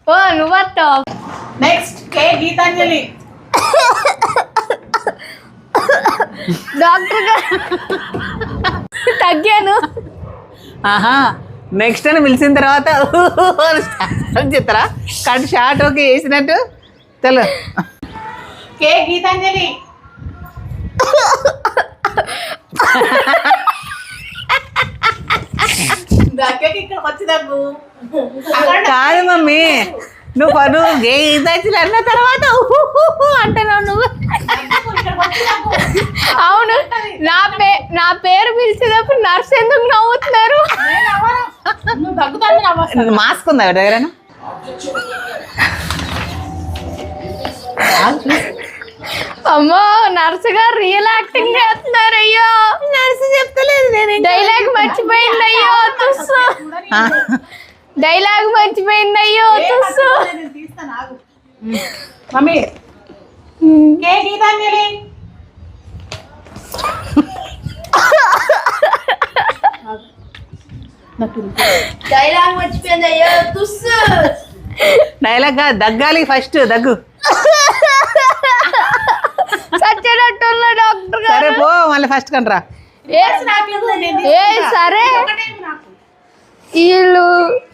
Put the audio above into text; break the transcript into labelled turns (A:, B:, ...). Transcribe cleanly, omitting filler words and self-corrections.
A: ఓ నువ్వు
B: నెక్స్ట్ కే గీతాంజలి.
A: డాక్టర్ గారు తగ్గాను.
C: ఆహా నెక్స్ట్ అని పిలిచిన తర్వాత చెప్తారా కట్ షార్ట్ ఓకే వేసినట్టు తెలు.
B: కే గీతాంజలి. దగ్గరికి ఇక్కడికి వచ్చి దగ్గు.
C: కాదు మమ్మీ నువ్వు గీతాంజలి అన్న తర్వాత అంటున్నావు నువ్వు.
A: అవును నా పేరు పిలిచేటప్పుడు నర్స్ ఎందుకు నవ్వుతున్నారు?
B: నువ్వు దగ్గుతాను.
C: మాస్క్ ఉందా దగ్గర?
A: అమ్మో నర్సు గారు రియల్ యాక్టింగ్ చేస్తున్నారు. అయ్యో
C: నర్సు చెప్తలేదు నేను
A: డైలాగ్ మర్చిపోయింది. అయ్యో తుస్సు డైలాగ్ మర్చిపోయింది. అయ్యో తుస్సు.
B: మమ్మీ కే గీతాంజలి.
A: డైలాగ్ మర్చిపోయింది. అయ్యో తుస్సు.
C: డైలాగ్ దగ్గాలి ఫస్ట్ దగ్గు.
A: సచ్చినట్టున్న డాక్టర్
C: సరే
A: గారు.
C: పో మళ్ళీ ఫస్ట్ కంట్రా.
A: ఏ సరే వీళ్ళు